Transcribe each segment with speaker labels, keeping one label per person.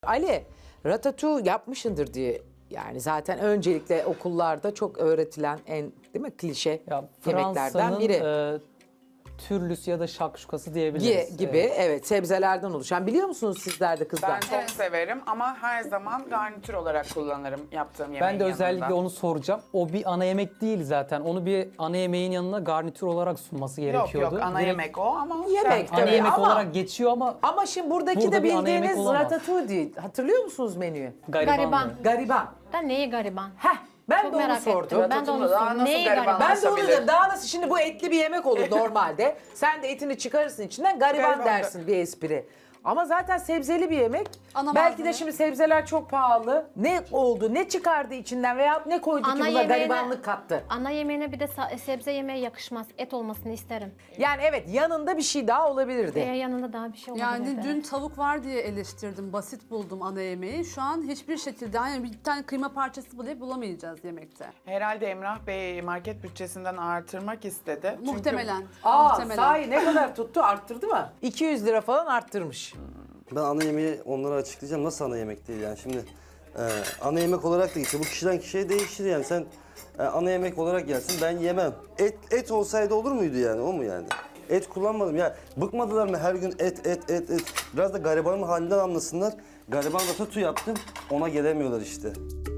Speaker 1: Ali, ratatouille yapmışındır diye yani zaten öncelikle okullarda çok öğretilen en değil mi klişe
Speaker 2: Ya
Speaker 1: yemeklerden
Speaker 2: Fransa'nın
Speaker 1: biri.
Speaker 2: türlüsü ya da şakşukası diyebiliriz.
Speaker 1: Gibi evet. Sebzelerden oluşan. Biliyor musunuz sizler de kızlar?
Speaker 3: Ben çok severim ama her zaman garnitür olarak kullanırım yaptığım yemeğin
Speaker 2: Ben de özellikle
Speaker 3: yanında.
Speaker 2: onu soracağım. O bir ana yemek değil zaten. Onu bir ana yemeğin yanına garnitür olarak sunması
Speaker 3: Yok
Speaker 2: gerekiyordu.
Speaker 3: yok ana
Speaker 2: Direkt
Speaker 3: yemek o ama
Speaker 1: Yemek
Speaker 2: ana
Speaker 1: tabii
Speaker 2: yemek
Speaker 1: ama-
Speaker 2: olarak geçiyor ama
Speaker 1: Ama şimdi buradaki
Speaker 2: Burada
Speaker 1: de
Speaker 2: bir ana yemek
Speaker 1: bildiğiniz
Speaker 2: olamaz.
Speaker 1: ratatouille değil. Hatırlıyor musunuz menüyü?
Speaker 2: gariban.
Speaker 1: Gariban.
Speaker 4: Da neyi gariban?
Speaker 1: Heh, ben
Speaker 4: Çok
Speaker 1: de onu
Speaker 4: merak ettim.
Speaker 1: sordum.
Speaker 4: Ben de onu
Speaker 3: Daha
Speaker 4: sordum.
Speaker 3: nasıl
Speaker 4: Neyi
Speaker 3: gariban?
Speaker 4: gariban?
Speaker 1: Ben de onu
Speaker 3: Anlaşabilir.
Speaker 1: dedim. Daha nasıl şimdi bu etli bir yemek olur normalde. Sen de etini çıkarırsın içinden gariban
Speaker 3: Gariban
Speaker 1: dersin bir espri. Ama zaten sebzeli bir yemek.
Speaker 5: Ana
Speaker 1: Belki de
Speaker 5: malzeme.
Speaker 1: şimdi sebzeler çok pahalı. Ne oldu, ne çıkardı içinden veya ne koydu ki
Speaker 4: Ana
Speaker 1: buna
Speaker 4: yemeğine-
Speaker 1: garibanlık kattı?
Speaker 4: Ana yemeğine bir de sebze yemeği yakışmaz. Et olmasını isterim.
Speaker 1: Yani evet yanında bir şey daha olabilirdi.
Speaker 4: Veya yanında daha bir şey olabilir.
Speaker 5: Yani dün tavuk var diye eleştirdim, basit buldum ana yemeği. Şu an hiçbir şekilde yani bir tane kıyma parçası bile bulamayacağız yemekte.
Speaker 3: herhalde Emrah Bey market bütçesinden artırmak istedi. Çünkü
Speaker 5: Muhtemelen.
Speaker 1: Aa
Speaker 5: muhtemelen.
Speaker 1: sahi ne kadar tuttu arttırdı mı? 200 lira falan arttırmış.
Speaker 6: Ben ana yemeği onlara açıklayacağım. Nasıl ana yemek değil yani şimdi ana yemek olarak da işte bu kişiden kişiye değişir yani sen ana yemek olarak gelsin ben yemem. Et olsaydı olur muydu yani o mu yani? Et kullanmadım ya bıkmadılar mı her gün et. Biraz da garibanın halinden anlasınlar. Gariban ratatouille yaptım ona gelemiyorlar işte.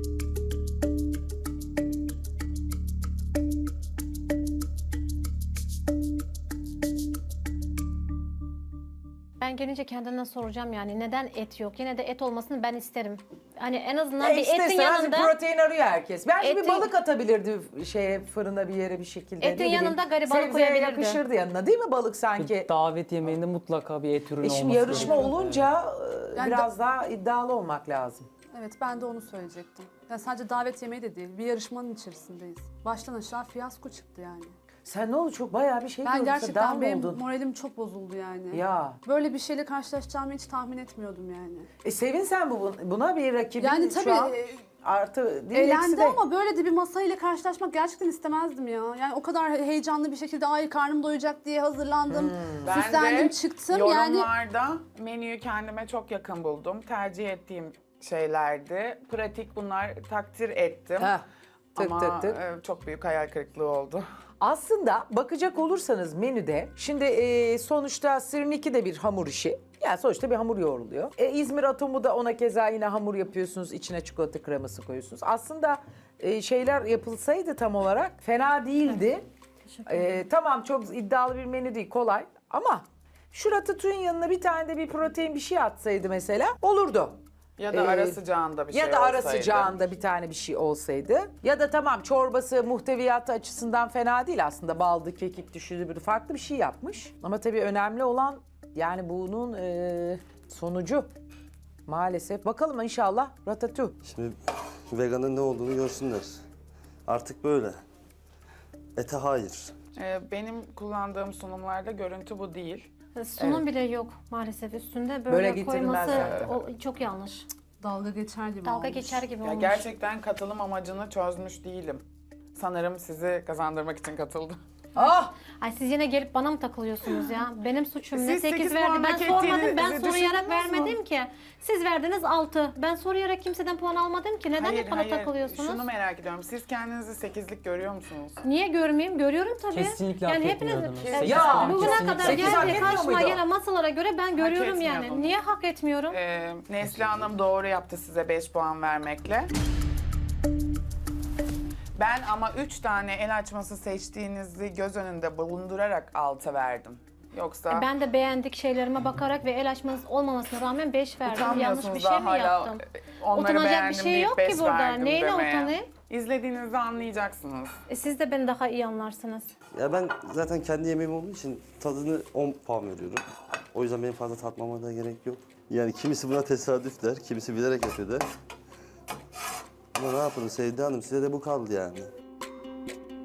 Speaker 4: Ben gelince kendimden soracağım yani neden et yok? Yine de et olmasını ben isterim. Hani en azından
Speaker 1: Ya
Speaker 4: bir
Speaker 1: ister
Speaker 4: etin
Speaker 1: istemez bir
Speaker 4: yanında
Speaker 1: protein arıyor herkes. Bence bir
Speaker 4: Etin-
Speaker 1: balık atabilirdi şeye fırına bir yere bir şekilde.
Speaker 4: Etin
Speaker 1: ne bileyim.
Speaker 4: yanında garibanı
Speaker 1: Sebzeye
Speaker 4: koyabilirdi.
Speaker 1: yakışırdı yanına değil mi balık sanki?
Speaker 2: Davet yemeğinde mutlaka bir et ürünü olması
Speaker 1: Şimdi yarışma
Speaker 2: gerekiyor.
Speaker 1: olunca
Speaker 5: Yani
Speaker 1: biraz daha iddialı olmak lazım.
Speaker 5: Evet ben de onu söyleyecektim. Yani sadece davet yemeği de değil, bir yarışmanın içerisindeyiz. Baştan aşağı fiyasko çıktı yani.
Speaker 1: Sen ne oldu çok bayağı bir şey
Speaker 5: Ben
Speaker 1: gördün. Daha
Speaker 5: gerçekten
Speaker 1: mı
Speaker 5: benim
Speaker 1: oldun?
Speaker 5: moralim çok bozuldu yani.
Speaker 1: Ya.
Speaker 5: Böyle bir şeyle karşılaşacağımı hiç tahmin etmiyordum yani.
Speaker 1: Sevin sen buna bir rakibin
Speaker 5: Yani
Speaker 1: şu
Speaker 5: tabii,
Speaker 1: an artı değil eksi
Speaker 5: Eğlendi
Speaker 1: de.
Speaker 5: ama böyle de bir masayla karşılaşmak gerçekten istemezdim ya. Yani o kadar heyecanlı bir şekilde ay karnım doyacak diye hazırlandım.
Speaker 3: ben
Speaker 5: Süslendim
Speaker 3: de
Speaker 5: çıktım yani.
Speaker 3: yorumlarda menüyü kendime çok yakın buldum. Tercih ettiğim şeylerdi. Pratik bunlar takdir ettim.
Speaker 1: Heh, tık
Speaker 3: Ama
Speaker 1: tık tık.
Speaker 3: çok büyük hayal kırıklığı oldu.
Speaker 1: Aslında bakacak olursanız menüde şimdi sonuçta sirniki de bir hamur işi. Yani sonuçta bir hamur yoğruluyor. İzmir atomu da ona keza yine hamur yapıyorsunuz. İçine çikolata kreması koyuyorsunuz. Aslında şeyler yapılsaydı tam olarak fena değildi. Tamam çok iddialı bir menü değil kolay ama şu ratatouille'in yanına bir tane de bir protein bir şey atsaydı mesela olurdu.
Speaker 3: Ya da ara sıcağında bir şey
Speaker 1: Ya da ara
Speaker 3: olsaydı.
Speaker 1: sıcağında bir tane bir şey olsaydı. Ya da tamam çorbası muhteviyatı açısından fena değil aslında. Baldı, kekik düşürü bir farklı bir şey yapmış. Ama tabii önemli olan yani bunun sonucu maalesef. Bakalım inşallah ratatouille.
Speaker 6: Şimdi veganın ne olduğunu görsünler. Artık böyle. Ete hayır.
Speaker 3: Benim kullandığım sunumlarda görüntü bu değil.
Speaker 4: sunum bile yok maalesef üstünde.
Speaker 1: Böyle
Speaker 4: Böyle
Speaker 1: getirilmez
Speaker 4: koyması
Speaker 1: zaten.
Speaker 4: çok yanlış.
Speaker 5: Dalga geçer gibi
Speaker 4: Dalga
Speaker 5: olmuş.
Speaker 4: geçer gibi
Speaker 3: Ya
Speaker 4: olmuş.
Speaker 3: gerçekten katılım amacını çözmüş değilim. Sanırım sizi kazandırmak için katıldım.
Speaker 1: Ah!
Speaker 4: Ay siz yine gelip bana mı takılıyorsunuz ya? Benim suçum ne?
Speaker 3: Siz
Speaker 4: 8
Speaker 3: sekiz
Speaker 4: verdi.
Speaker 3: puan
Speaker 4: Ben
Speaker 3: hak
Speaker 4: sormadım. Ben
Speaker 3: ettiğinizi
Speaker 4: soruyarak
Speaker 3: düşündünüz mü?
Speaker 4: vermedim ki. Siz verdiniz 6. Ben soruyarak kimseden puan almadım ki. Neden hep bana takılıyorsunuz?
Speaker 3: Şunu merak ediyorum. Siz kendinizi 8'lik görüyor musunuz?
Speaker 4: Niye görmeyeyim? Görüyorum tabii.
Speaker 2: Kesinlikle hak etmiyordunuz.
Speaker 4: Ya,
Speaker 2: Sekiz
Speaker 1: puan
Speaker 4: bugüne
Speaker 2: kesinlikle.
Speaker 4: kadar
Speaker 1: Sekiz hak
Speaker 4: geldi
Speaker 1: etmiyor
Speaker 4: karşıma
Speaker 1: muydu?
Speaker 4: gelen masalara göre ben görüyorum yani.
Speaker 3: etmiyordum.
Speaker 4: Niye hak etmiyorum?
Speaker 3: Neslihan Hanım doğru yaptı size 5 puan vermekle. Ben ama 3 tane el açması seçtiğinizi göz önünde bulundurarak 6 verdim. Yoksa
Speaker 4: Ben de beğendik şeylerime bakarak ve el açmanız olmamasına rağmen 5 verdim. Yanlış
Speaker 3: utanmıyorsunuz
Speaker 4: bir şey
Speaker 3: da
Speaker 4: mi
Speaker 3: hala
Speaker 4: yaptım?
Speaker 3: onları
Speaker 4: Utanacak bir
Speaker 3: beğendim
Speaker 4: şey
Speaker 3: deyip
Speaker 4: yok
Speaker 3: beş
Speaker 4: ki burada.
Speaker 3: verdim
Speaker 4: Neyine
Speaker 3: demeye.
Speaker 4: utanayım?
Speaker 3: İzlediğinizde anlayacaksınız.
Speaker 4: Siz de beni daha iyi anlarsınız.
Speaker 6: Ya ben zaten kendi yemeğim olduğu için tadını 10 puan veriyorum. O yüzden benim fazla tatmama da gerek yok. Yani kimisi buna tesadüf der, kimisi bilerek yapıyor der. Ama ne yapalım Sevda Hanım, size de bu kaldı yani.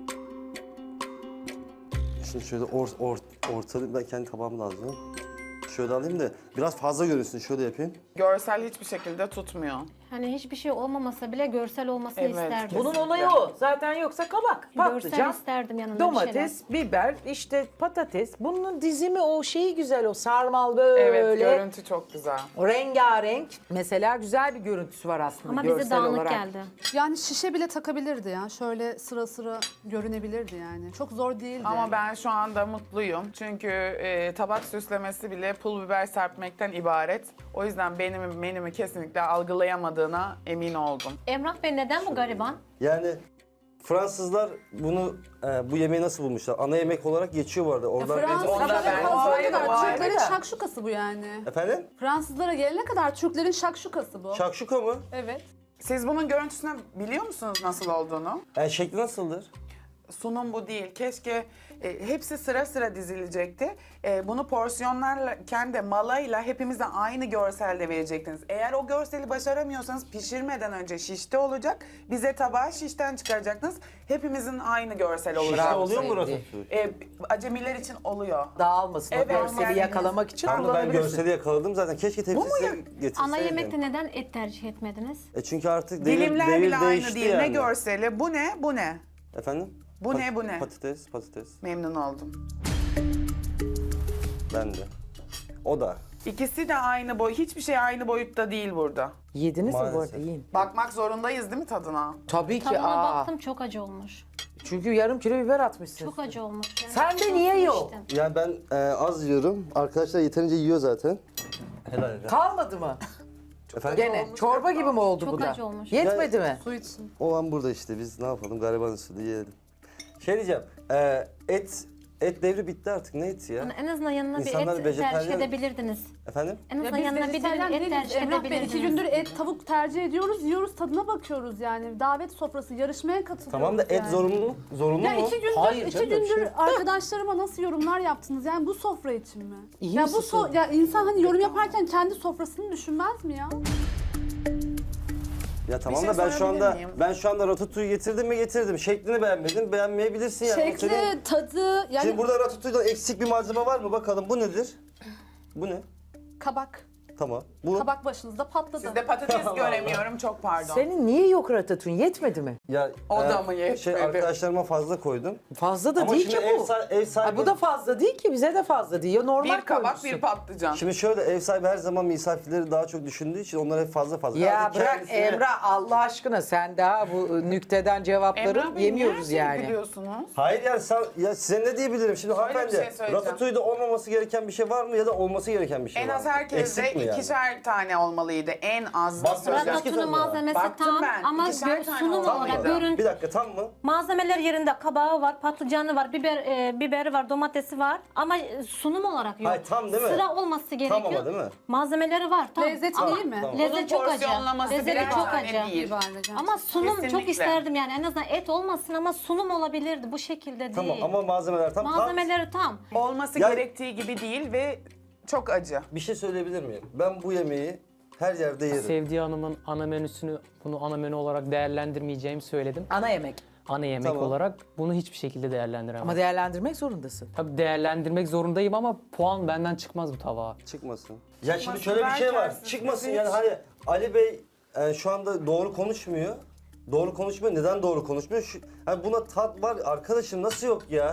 Speaker 6: Şimdi şöyle ortalık ben kendi tabağımı da alacağım. şöyle alayım da biraz fazla görünsün. Şöyle yapayım.
Speaker 3: Görsel hiçbir şekilde tutmuyor.
Speaker 4: Hani hiçbir şey olmasa bile görsel olmasını
Speaker 3: Evet,
Speaker 4: isterdim.
Speaker 1: Bunun
Speaker 3: kesinlikle.
Speaker 1: olayı o. Zaten yoksa kabak,
Speaker 4: Görsel
Speaker 1: patlıcan,
Speaker 4: isterdim yanında bir
Speaker 1: domates, biber, işte patates. Bunun dizimi o şeyi güzel, o sarmal böyle.
Speaker 3: Evet, görüntü çok güzel.
Speaker 1: O rengarenk. Mesela güzel bir görüntüsü var aslında
Speaker 4: Ama
Speaker 1: görsel
Speaker 4: bize dağınık
Speaker 1: olarak.
Speaker 4: geldi.
Speaker 5: Yani şişe bile takabilirdi ya. Şöyle sıra sıra görünebilirdi yani. Çok zor değildi.
Speaker 3: Ama ben şu anda mutluyum. Çünkü tabak süslemesi bile pul biber serpmekten ibaret. O yüzden benim menümü kesinlikle algılayamadığına emin oldum.
Speaker 4: Emrah Bey neden bu gariban?
Speaker 6: Yani Fransızlar bunu bu yemeği nasıl bulmuşlar? Ana yemek olarak geçiyor bu arada.
Speaker 5: Ya
Speaker 6: Oradan
Speaker 5: Fransızlara
Speaker 3: ben-
Speaker 5: fazla
Speaker 3: o ayrı, o
Speaker 5: kadar
Speaker 3: ayrı
Speaker 5: Türklerin
Speaker 1: da.
Speaker 5: şakşukası bu yani.
Speaker 6: Efendim?
Speaker 5: Fransızlara gelene kadar Türklerin şakşukası bu.
Speaker 6: Şakşuka mı?
Speaker 5: Evet.
Speaker 3: Siz bunun görüntüsünü biliyor musunuz nasıl olduğunu?
Speaker 6: Yani şekli nasıldır?
Speaker 3: Sunum bu değil. Keşke hepsi sıra sıra dizilecekti. Bunu porsiyonlarken de malayla hepimize aynı görselde verecektiniz. Eğer o görseli başaramıyorsanız pişirmeden önce şişte olacak. Bize tabağı şişten çıkaracaktınız. Hepimizin aynı görsel olacak.
Speaker 6: Şişte oluyor mu
Speaker 1: sevdi.
Speaker 6: ratatouille?
Speaker 3: Acemiler için oluyor.
Speaker 1: Dağılmasın, o
Speaker 3: Evet,
Speaker 1: görseli
Speaker 3: yani-
Speaker 1: yakalamak için
Speaker 6: Tam da ben
Speaker 1: kullanabilirsin.
Speaker 6: görseli yakaladım zaten. Keşke tepsisi getirseydim.
Speaker 4: Ana yemekte neden et tercih etmediniz?
Speaker 6: Çünkü artık devir
Speaker 3: Dilimler bile aynı
Speaker 6: değişti
Speaker 3: değil.
Speaker 6: yani.
Speaker 3: Ne görseli? Bu ne? Bu ne?
Speaker 6: Efendim?
Speaker 3: Bu ne, bu ne?
Speaker 6: Patates.
Speaker 3: Memnun oldum.
Speaker 6: Ben de. O da.
Speaker 3: İkisi de aynı boy. Hiçbir şey aynı boyutta değil burada.
Speaker 1: Yediniz mi bu
Speaker 6: Maalesef.
Speaker 1: arada? Yiyin.
Speaker 3: Bakmak zorundayız değil mi tadına?
Speaker 1: Tabii ki.
Speaker 4: Tadına
Speaker 1: Aa.
Speaker 4: baktım çok acı olmuş.
Speaker 1: Çünkü yarım kilo biber atmışsın.
Speaker 4: Çok acı olmuş. Yani
Speaker 1: Sen de
Speaker 4: çok
Speaker 1: niye yok?
Speaker 4: yemiştim.
Speaker 6: Yani ben az yiyorum. Arkadaşlar yeterince yiyor zaten. Helal helal.
Speaker 1: Kalmadı mı?
Speaker 6: Efendim?
Speaker 1: Gene çorba gibi mi oldu
Speaker 4: Çok
Speaker 1: bu da?
Speaker 4: acı olmuş.
Speaker 1: Yetmedi mi?
Speaker 5: Su için.
Speaker 6: O an burada işte. Biz ne yapalım? Gariban usulü yiyelim. Şey diyeceğim. Et devri bitti artık. Ne eti ya?
Speaker 4: Yani en azından yanına bir
Speaker 6: İnsanlar
Speaker 4: et
Speaker 6: vejetaryen-
Speaker 4: tercih edebilirdiniz.
Speaker 6: Efendim?
Speaker 4: En
Speaker 5: Ya
Speaker 4: azından
Speaker 5: biz
Speaker 4: yanına bir
Speaker 5: vejetaryen
Speaker 4: dilim et
Speaker 5: değiliz.
Speaker 4: tercih
Speaker 5: Emrah Bey 2
Speaker 4: edebilirdiniz.
Speaker 5: gündür et, tavuk tercih ediyoruz, yiyoruz, tadına bakıyoruz yani. Davet sofrası, yarışmaya katılıyoruz
Speaker 6: Tamam da et
Speaker 5: yani.
Speaker 6: zorunlu mu? Zorunlu
Speaker 5: Ya
Speaker 6: mu?
Speaker 5: 2 gündür,
Speaker 1: Hayır
Speaker 5: iki
Speaker 1: canım, öyle bir
Speaker 5: gündür
Speaker 1: şey yok.
Speaker 5: arkadaşlarıma nasıl yorumlar yaptınız? Yani bu sofra için mi?
Speaker 1: İyi
Speaker 5: ya
Speaker 1: misin
Speaker 5: bu
Speaker 1: sen?
Speaker 5: ya insan hani yorum yaparken kendi sofrasını düşünmez mi ya?
Speaker 6: Ya tamam
Speaker 3: şey
Speaker 6: da ben şu
Speaker 3: sorabilir
Speaker 6: anda
Speaker 3: miyim?
Speaker 6: ratatouille getirdim mi getirdim. Şeklini beğenmedim. Beğenmeyebilirsin yani.
Speaker 5: Şekli,
Speaker 6: Senin-
Speaker 5: tadı yani
Speaker 6: Şimdi burada ratatouille'dan eksik bir malzeme var mı? Bakalım bu nedir? Bu ne?
Speaker 5: kabak.
Speaker 6: Tamam. Bu
Speaker 5: Kabak başınızda patladı.
Speaker 3: Sizde patates göremiyorum. Çok pardon.
Speaker 1: Senin niye yok ratatouille? Yetmedi mi?
Speaker 6: ya
Speaker 3: O da mı yetmedi?
Speaker 6: Şey arkadaşlarıma fazla koydum.
Speaker 1: Fazla da
Speaker 6: Ama
Speaker 1: değil
Speaker 6: şimdi
Speaker 1: ki bu.
Speaker 6: ev sahibi
Speaker 1: Ha, bu da fazla değil ki, bize de fazla değil. Ya normal
Speaker 3: bir kabak,
Speaker 1: koymuşsun.
Speaker 3: bir patlıcan.
Speaker 6: Şimdi şöyle ev sahibi her zaman misafirleri daha çok düşündüğü için onlara hep fazla.
Speaker 1: Ya
Speaker 6: Artık
Speaker 1: bırak
Speaker 6: kendisine-
Speaker 1: Emrah, Allah aşkına sen daha bu nükteden cevapları
Speaker 3: Emrah Bey,
Speaker 1: yemiyoruz
Speaker 3: niye her şeyi
Speaker 1: yani.
Speaker 3: biliyorsunuz?
Speaker 6: Hayır yani ya size ne diyebilirim şimdi
Speaker 3: Şöyle bir
Speaker 6: hanımefendi?
Speaker 3: şey söyleyeceğim.
Speaker 6: Ratatouille'de olmaması gereken bir şey var mı ya da olması gereken bir şey
Speaker 3: En
Speaker 6: var mı?
Speaker 3: az herkeste
Speaker 6: Eksik mi yani?
Speaker 3: 2'şer tane olmalıydı. En az.
Speaker 6: Bak,
Speaker 3: söyleyeceğim.
Speaker 6: Ratatouille
Speaker 4: Ratatouille
Speaker 6: tadına.
Speaker 4: malzemesi
Speaker 3: Baktım
Speaker 4: tam
Speaker 3: ben.
Speaker 4: ama
Speaker 3: İkişer tane
Speaker 4: sunum
Speaker 3: olmalı.
Speaker 4: olarak
Speaker 3: Tamam.
Speaker 4: görüntü.
Speaker 6: Bir dakika tam mı?
Speaker 4: Malzemeler yerinde kabağı var, patlıcanı var, biberi var, domatesi var ama sunum olarak yok.
Speaker 6: Hayır, tam değil mi?
Speaker 4: Sıra olması gerekiyor.
Speaker 6: ama değil mi?
Speaker 4: Malzemeleri var tam.
Speaker 5: Lezzet
Speaker 4: ama
Speaker 5: değil mi?
Speaker 6: Tamam.
Speaker 4: Lezzet
Speaker 3: Bunun
Speaker 4: çok acı.
Speaker 3: porsiyonlaması
Speaker 4: Lezzeti
Speaker 3: birer
Speaker 4: çok
Speaker 3: tane
Speaker 4: acı.
Speaker 3: değil.
Speaker 4: Ama sunum çok
Speaker 3: Kesinlikle.
Speaker 4: isterdim yani en azından et olmasın ama sunum olabilirdi bu şekilde değil.
Speaker 6: Tamam ama malzemeler tam.
Speaker 4: Malzemeleri tam.
Speaker 3: Olması
Speaker 6: Ya-
Speaker 3: gerektiği gibi değil ve çok acı.
Speaker 6: Bir şey söyleyebilir miyim? Ben bu yemeği her yerde yerim.
Speaker 2: Sevdiği Hanım'ın ana menüsünü bunu ana menü olarak değerlendirmeyeceğimi söyledim.
Speaker 1: Ana yemek.
Speaker 2: Ana yemek
Speaker 6: Tamam.
Speaker 2: olarak bunu hiçbir şekilde değerlendiremem.
Speaker 1: Ama değerlendirmek zorundasın.
Speaker 2: Tabii değerlendirmek zorundayım ama puan benden çıkmaz bu tabağa.
Speaker 6: Çıkmasın. Ya şimdi
Speaker 3: Çıkmasın
Speaker 6: şöyle bir şey var.
Speaker 3: derken
Speaker 6: Çıkmasın
Speaker 3: siz
Speaker 6: yani
Speaker 3: hiç-
Speaker 6: hani Ali Bey şu anda doğru konuşmuyor. Doğru konuşmuyor. Neden doğru konuşmuyor? Hani buna tat var. Arkadaşım nasıl yok ya?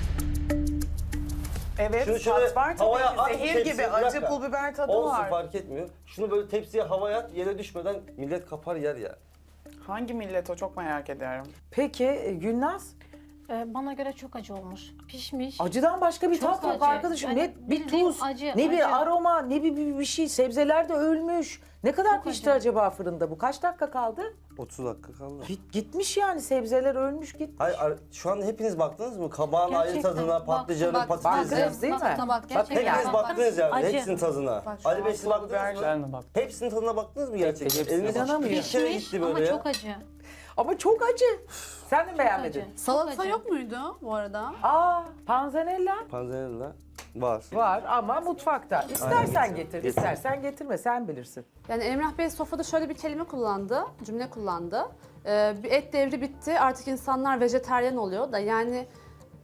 Speaker 3: Evet,
Speaker 6: Şunu şöyle
Speaker 3: tat var
Speaker 6: havaya
Speaker 3: tabii
Speaker 6: at
Speaker 3: ki.
Speaker 6: bu
Speaker 3: Zehir
Speaker 6: tepsiyi,
Speaker 3: gibi
Speaker 6: bir
Speaker 3: acı
Speaker 6: dakika.
Speaker 3: pul biber tadı
Speaker 6: Olsun
Speaker 3: var.
Speaker 6: fark etmiyor. Şunu böyle tepsiye havaya at, yere düşmeden millet kapar yer ya.
Speaker 3: Hangi millet o çok merak ediyorum.
Speaker 1: Peki Gülnaz?
Speaker 4: Bana göre çok acı olmuş. Pişmiş.
Speaker 1: Acıdan başka bir
Speaker 4: Çok
Speaker 1: tat yok
Speaker 4: acı.
Speaker 1: arkadaşım.
Speaker 4: Yani
Speaker 1: Ne bir
Speaker 4: bildiğin
Speaker 1: tuz,
Speaker 4: acı,
Speaker 1: ne bir
Speaker 4: acı.
Speaker 1: aroma, ne bir şey. Sebzeler de ölmüş. Ne kadar
Speaker 4: Çok
Speaker 1: pişti
Speaker 4: acı.
Speaker 1: acaba fırında bu? Kaç dakika kaldı?
Speaker 6: 30 dakika kaldı.
Speaker 1: Gitmiş yani, sebzeler ölmüş gitmiş.
Speaker 6: Hayır şu an hepiniz baktınız mı? Kabağın ayrı
Speaker 4: Gerçekten.
Speaker 6: tadına, patlıcanın,
Speaker 5: Baktım,
Speaker 6: patatesin.
Speaker 1: Baktınız değil mi?
Speaker 5: Baktım.
Speaker 6: Bak
Speaker 4: Gerçekten
Speaker 6: hepiniz
Speaker 4: baktım.
Speaker 6: baktınız yani
Speaker 4: Acı.
Speaker 6: hepsinin tadına.
Speaker 5: Bak,
Speaker 6: Ali Bey siz
Speaker 3: pul
Speaker 6: baktınız
Speaker 3: biber-
Speaker 6: mı?
Speaker 2: Ben mi bak?
Speaker 6: Hepsinin tadına baktınız mı gerçekten?
Speaker 2: hepsine
Speaker 6: Eliniz
Speaker 1: baktım.
Speaker 6: bir kere
Speaker 4: Pişmiş
Speaker 6: gitti
Speaker 4: ama
Speaker 6: böyle ya.
Speaker 4: çok acı.
Speaker 1: Ama çok acı. Sen de mi beğenmedin?
Speaker 4: Acı.
Speaker 5: Salata
Speaker 4: Çok acı.
Speaker 5: yok muydu bu arada?
Speaker 1: Aa, panzanella
Speaker 6: Panzanella var.
Speaker 1: var ama mutfakta. İstersen getir,
Speaker 6: Getir.
Speaker 1: istersen getirme, sen bilirsin.
Speaker 5: Yani Emrah Bey sofrada şöyle bir kelime kullandı, cümle kullandı. Bir et devri bitti, artık insanlar vejetaryen oluyor da yani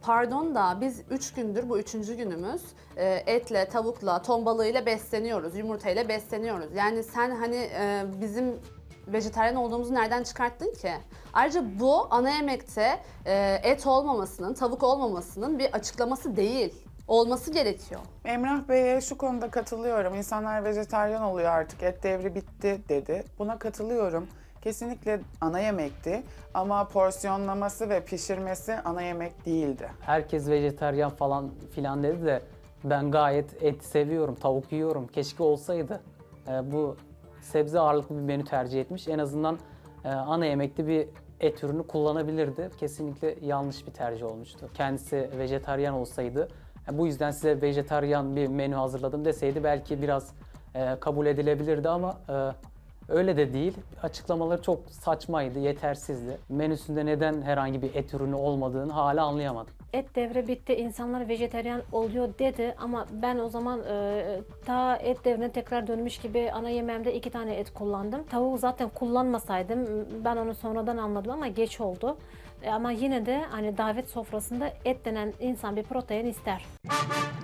Speaker 5: Pardon da biz 3 gündür, bu 3. günümüz etle, tavukla, ton balığıyla besleniyoruz, yumurtayla besleniyoruz. Yani sen hani bizim vejetaryen olduğumuzu nereden çıkarttın ki? Ayrıca bu ana yemekte et olmamasının, tavuk olmamasının bir açıklaması değil. Olması gerekiyor.
Speaker 3: Emrah Bey'e şu konuda katılıyorum. İnsanlar vejetaryen oluyor artık, et devri bitti dedi. Buna katılıyorum. Kesinlikle ana yemekti ama porsiyonlaması ve pişirmesi ana yemek değildi.
Speaker 2: Herkes vejetaryen falan filan dedi de ben gayet et seviyorum, tavuk yiyorum. Keşke olsaydı. Bu sebze ağırlıklı bir menü tercih etmiş. En azından ana yemekte bir et ürünü kullanabilirdi. Kesinlikle yanlış bir tercih olmuştu. Kendisi vejetaryen olsaydı, bu yüzden size vejetaryen bir menü hazırladım deseydi belki biraz kabul edilebilirdi ama öyle de değil. Açıklamaları çok saçmaydı, yetersizdi. Menüsünde neden herhangi bir et ürünü olmadığını hala anlayamadım.
Speaker 4: Et devri bitti, insanlar vejetaryen oluyor dedi ama ben o zaman ta et devrine tekrar dönmüş gibi ana yemeğimde 2 tane et kullandım. Tavuğu zaten kullanmasaydım ben onu sonradan anladım ama geç oldu. Ama yine de hani davet sofrasında et denen insan bir protein ister.